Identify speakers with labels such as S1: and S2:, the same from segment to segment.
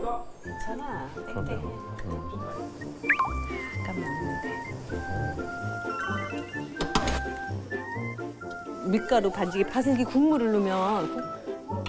S1: 괜찮아. 땡땡. 잠깐만. 밀가루 반죽에 파슬기 국물을 넣으면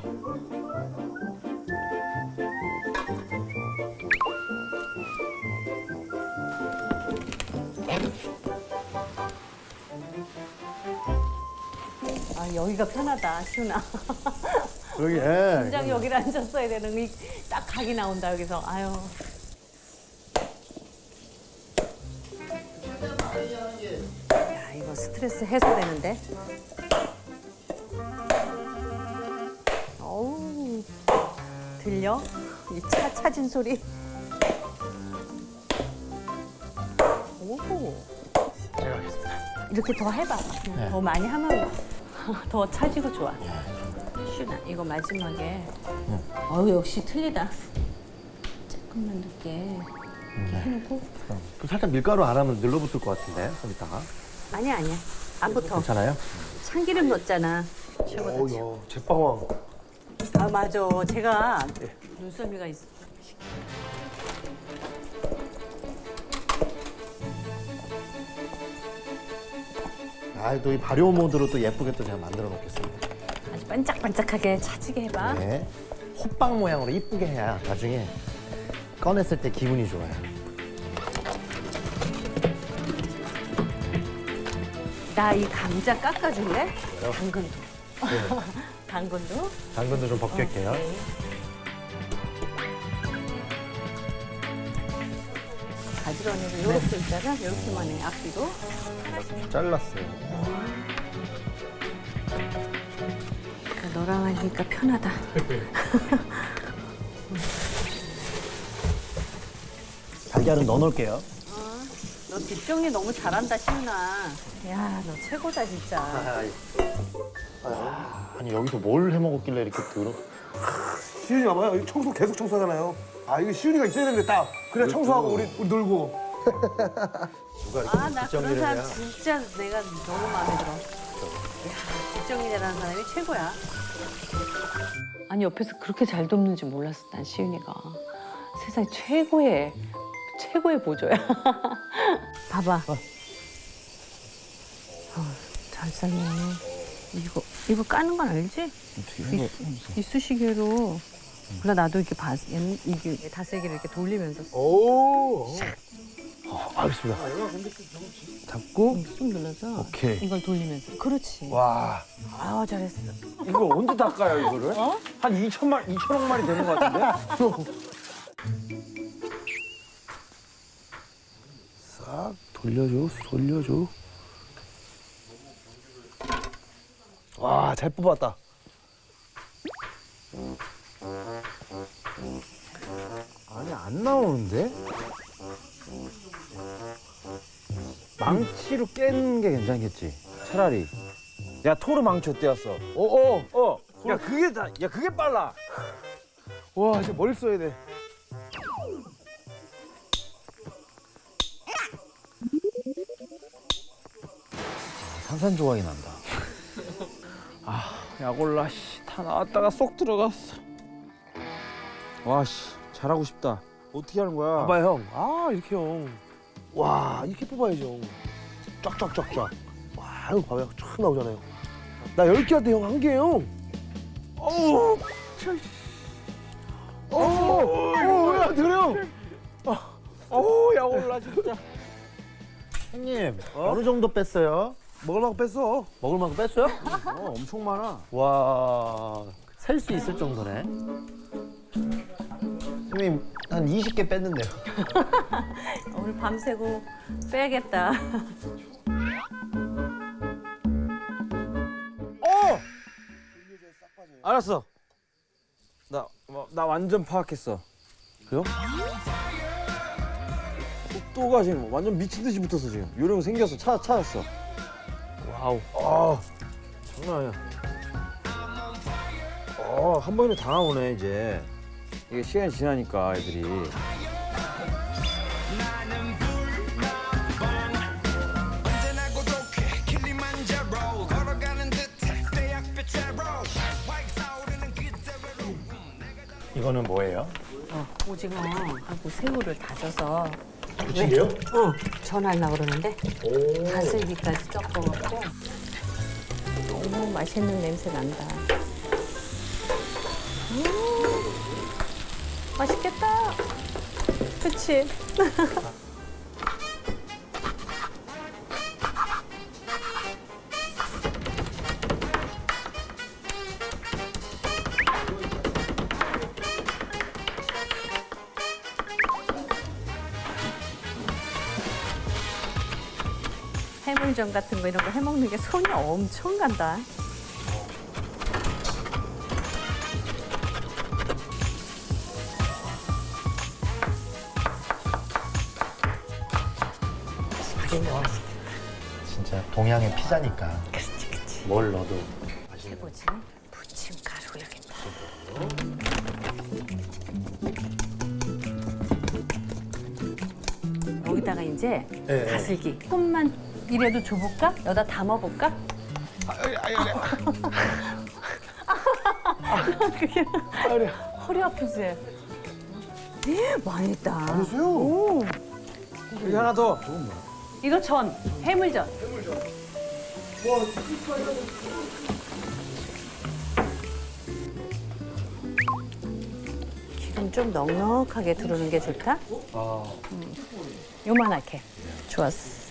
S1: 아 여기가 편하다 시훈아.
S2: 여기
S1: 굉장히 여기를 앉았어야 되는 이 딱 각이 나온다 여기서. 아유. 야 이거 스트레스 해소되는데. 어우 들려? 이 차 차진 소리. 오.
S2: 제가 하겠습니다.
S1: 이렇게 더 해봐. 더 많이 하면 더 차지고 좋아. 슈나 이거 마지막에. 어우 역시 틀리다. 조금만 늦게 이렇게 해놓고.
S2: 또 살짝 밀가루 안 하면 늘러붙을 것 같은데 좀 이따가.
S1: 아니야. 안 붙어.
S2: 괜찮아요?
S1: 참기름 넣었잖아. 최고다.
S2: 어우야 제빵왕.
S1: 아 맞아. 제가 눈썰미가 있어.
S2: 또 이 발효 모드로 또 예쁘게 또 제가 만들어 놓겠습니다.
S1: 아주 반짝반짝하게 차지게 해봐.
S2: 네. 호빵 모양으로 이쁘게 해야 나중에 꺼냈을 때 기분이 좋아요.
S1: 나 이 감자 깎아줄래?
S2: 그래요?
S1: 당근도.
S2: 네.
S1: 당근도.
S2: 당근도 좀 벗길게요.
S1: 네. 가지런히도 요렇게 있다가 요렇게만 해. 앞뒤로.
S2: 잘랐어요.
S1: 너랑 하니까 편하다.
S2: 달걀은 넣어 놓을게요.
S1: 너 뒷정리 너무 잘한다, 시윤아. 야, 너 최고다, 진짜.
S2: 아니 여기서 뭘 해 먹었길래 이렇게 더러?
S3: 시윤이 봐봐요. 이거 청소 계속 청소하잖아요. 아 이거 시윤이가 있어야 되는데 딱. 그래 청소하고 우리 놀고.
S1: 아, 나 그런 사람 진짜 내가 너무 마음에 들어. 야, 뒷정리 잘하는 사람이 최고야. 아니, 옆에서 그렇게 잘 돕는지 몰랐어, 난 시윤이가. 세상 최고의 보조야. 봐봐. 잘 삶네. 이거 까는 건 알지? 이쑤시개로. 몰라, 나도 이렇게 이게 다슬기를 이렇게 돌리면서
S3: 오.
S2: 알겠습니다. 잡고
S1: 쑥 눌러서
S2: 오케이.
S1: 이걸 돌리면서. 그렇지.
S3: 와.
S1: 아, 잘했어.
S4: 이걸 언제 닦아요, 이거를? 한 2천억 마리 되는 것 같은데?
S3: 싹 돌려줘. 와, 잘 뽑았다.
S4: 아니, 안 나오는데? 망치로 깨는 게 괜찮겠지, 차라리. 야, 토르 망치 어때였어? 야, 그게 빨라.
S3: 와, 이제 뭘 써야 돼?
S4: 산산조각이 난다. 약올라, 씨, 다 나왔다가 쏙 들어갔어. 와, 씨, 잘하고 싶다. 어떻게 하는 거야?
S3: 봐봐 형. 아 이렇게 형. 와 이렇게 뽑아야죠. 쫙쫙쫙쫙. 와 이거 봐봐요. 촥 나오잖아요. 나 10개 할 때 형 1개요. 어우. 야 드령.
S4: 어우, 약올라, 진짜.
S2: 형님 어느 정도 뺐어요?
S3: 먹을 만큼 뺐어.
S2: 먹을 만큼 뺐어요?
S4: 엄청 많아.
S2: 와, 셀 수 있을 정도네. 형님 한 20개 뺐는데요.
S1: 오늘 밤새고 빼야겠다.
S4: 알았어. 나 완전 파악했어.
S3: 그래요?
S4: 속도가 지금 완전 미친 듯이 붙었어, 지금. 요령 생겼어. 찾았어.
S2: 와우.
S4: 장난 아니야. 한 번이면 다 나오네, 이제. 이게 시간이 지나니까 애들이.
S2: 이거는 뭐예요?
S1: 오징어하고 새우를 다져서
S2: 부침개요?
S1: 전하려고 그러는데 다슬기까지 섞어갖고 너무 맛있는 냄새 난다. 맛있겠다. 그치? 해물전 같은 거 이런 거 해먹는 게 손이 엄청 간다.
S2: 진짜 동양의 피자니까. 뭘 넣어도 맛있는.
S1: 해보지. 부침가루 여기다. 여기다가 이제
S2: 네.
S1: 다슬기. 조금만 이래도 줘볼까? 여기다 담아볼까? 그게 허리 아프지? 많이 있다.
S3: 보세요.
S4: 여기 하나 더.
S1: 이거 전, 해물전. 기름 좀 넉넉하게 두르는 게 좋다? 요만하게. 좋았어.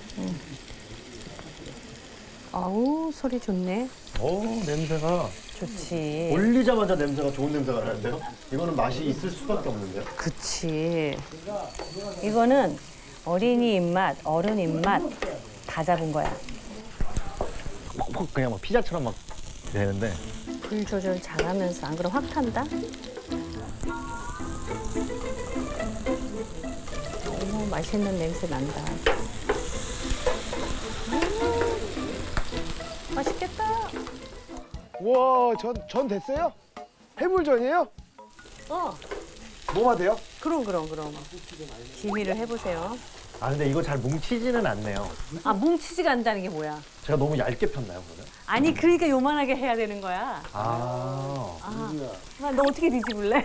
S1: 아우, 소리 좋네.
S3: 오, 냄새가.
S1: 좋지.
S2: 올리자마자 냄새가 좋은 냄새가 나는데요? 이거는 맛이 있을 수밖에 없는데요?
S1: 그치. 이거는 어린이 입맛, 어른 입맛 다 잡은 거야.
S2: 콕콕 그냥 막 피자처럼 막 되는데.
S1: 불 조절 잘하면서 안 그럼 확 탄다? 너무 맛있는 냄새 난다. 맛있겠다.
S3: 와, 전 됐어요? 해물전이에요? 뭐가 돼요?
S1: 그럼. 기미를 해보세요.
S2: 아 근데 이거 잘 뭉치지는 않네요.
S1: 아, 뭉치지가 않다는 게 뭐야?
S2: 제가 너무 얇게 폈나요 그러면?
S1: 아니, 그러니까 요만하게 해야 되는 거야.
S2: 아.
S1: 너 어떻게 뒤집을래?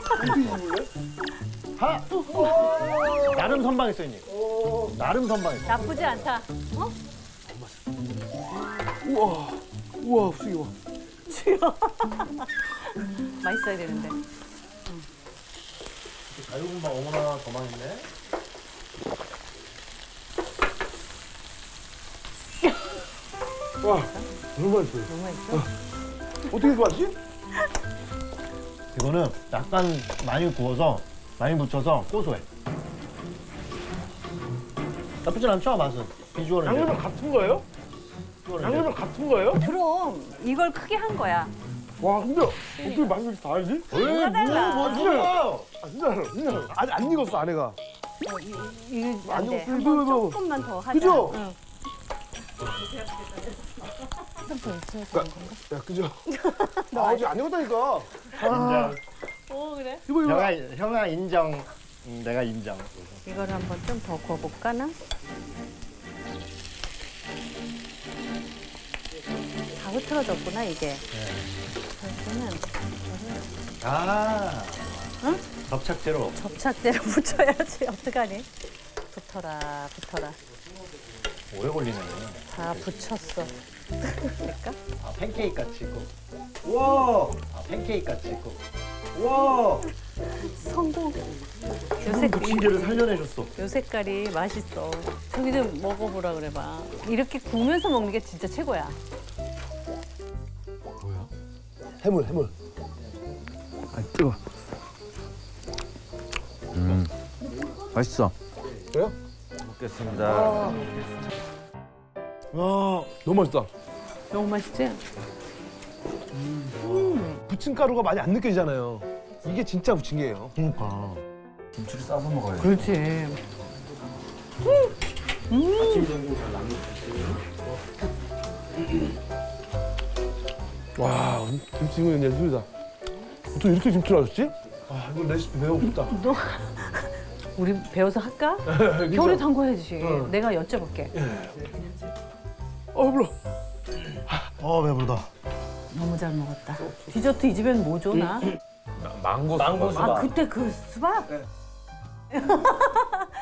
S2: 하! 나름 선방했어 형님. 나름 선방했어.
S1: 나쁘지 않다. 어?
S3: 우와, 수기 와.
S1: 맛있어야 되는데.
S2: 자유분방 어머나 더 맛있네.
S3: 와, 너무 맛있어요.
S1: 너무 맛있어?
S3: 어떻게 이렇게 맛있지?
S2: 이거는 약간 많이 구워서 많이 붙여서 고소해. 나쁘진 않죠 맛은. 비주얼은.
S3: 양념은 같은 거예요? 양념은 같은 거예요?
S1: 그럼 이걸 크게 한 거야.
S3: 와, 근데 어떻게 맛이 이렇게 다르지?
S1: 뭐가 달라?
S2: 뭔 소리야?
S3: 아, 진짜로. 아직 안 익었어, 안에가.
S1: 이거 안 돼.
S3: 아니요,
S1: 한번
S3: 그래도-
S1: 조금만 더 하자.
S3: 그죠?
S1: 응. 한번 있어야 되는 건가?
S3: 야, 그죠? 아직 안 익었다니까.
S1: 그래?
S3: 이거.
S2: 형아 인정. 내가 인정.
S1: 이걸 한번 좀 더 구워볼까나? 다 흐트러졌구나 이게. 그러면은
S2: 아.
S1: 응?
S2: 접착제로.
S1: 접착제로 붙여야지. 어떡하니? 붙어라.
S2: 오래 걸리네.
S1: 다 붙였어. 될까?
S2: 아 팬케이크 같이 있고. 우와. 아 팬케이크 같이 있고. 우와.
S1: 성공. 요새
S2: 부침개를 살려내셨어.
S1: 요 색깔이 맛있어. 저기 좀 먹어보라 그래봐. 이렇게 구우면서 먹는 게 진짜 최고야.
S3: 해물. 아, 뜨거.
S4: 맛있어.
S3: 그래요?
S4: 먹겠습니다.
S3: 와, 너무 맛있다.
S1: 너무 맛있지?
S3: 부침가루가 많이 안 느껴지잖아요. 이게 진짜 부침개예요.
S2: 그러니까.
S4: 김치를 싸서 먹어야 돼.
S1: 그렇지.
S3: 와, 김치는 예술이다. 어떻게 이렇게 김치를 하셨지? 아, 이거 레시피 배우고 싶다.
S1: 우리 배워서 할까?
S3: 그죠?
S1: 겨울에 담궈야지.
S3: 응.
S1: 내가 여쭤볼게.
S3: 불러.
S2: 배부르다.
S1: 너무 잘 먹었다. 디저트 이 집엔 뭐 줘, 나?
S5: 망고
S2: 망고
S5: 수박.
S2: 수박.
S1: 아 그때 그 수박?